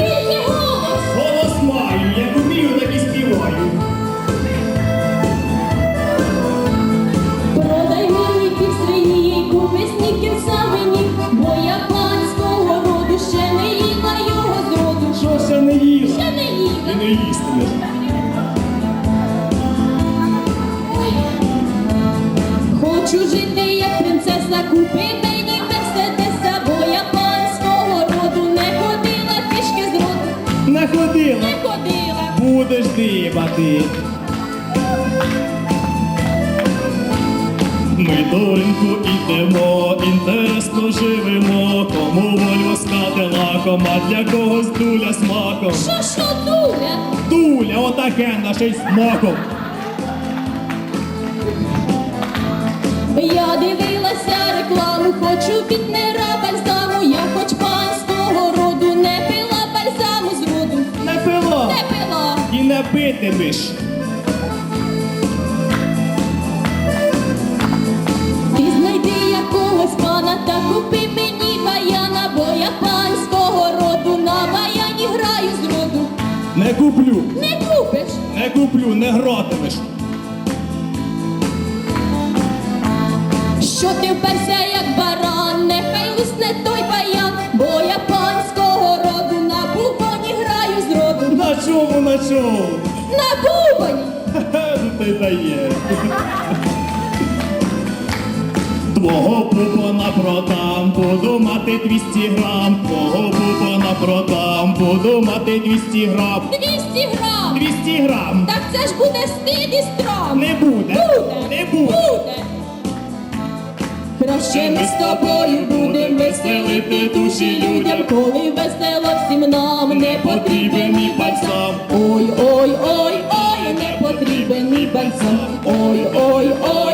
Тільки голос. Голос маю, як вмію, так і співаю. Продай мені півсвині, купи снікерса мені, бо я панського роду ще не їла його зроду. Що ще не їла? Ще не І їла. не їстиме. Хочу жити як принцеса, купи мені мерседеса, бо я панського роду не ходила пішки з роду. Не ходила, Не ходила. будеш дибати. Ми до ринку ідемо, інтересно живемо, кому Вольво з кадилаком, а для когось дуля смаком. Що, дуля? Дуля, отаке наше й смаком. Я дивилася рекламу, хочу пітнера бальзаму, я хоч панського роду не пила бальзаму з роду. Не пила Не пила. і не питимеш. Ти знайди якогось пана та купи мені баяна, бо я панського роду на баяні граю з роду. Не куплю, Не купиш? не куплю, не гратимеш. Що ти вперся як баран, нехай лусне той баян, бо я панського роду на бубоні граю з роду. На чому, на чому? На бубоні! Хе-хе, ну ти даєш. Твого бубона продам, буду мати 200 грам. Твого бубона продам, буду мати 200 грам. 200 грам! 200 грам. Так це ж буде стид і страм. Не буде, Буде. не буде. Буде. Краще ми з тобою будем веселити душі людям, коли весело всім нам не потрібен і бальзам. Ой, ой, ой, ой, не потрібен і бальзам. Ой, ой, ой.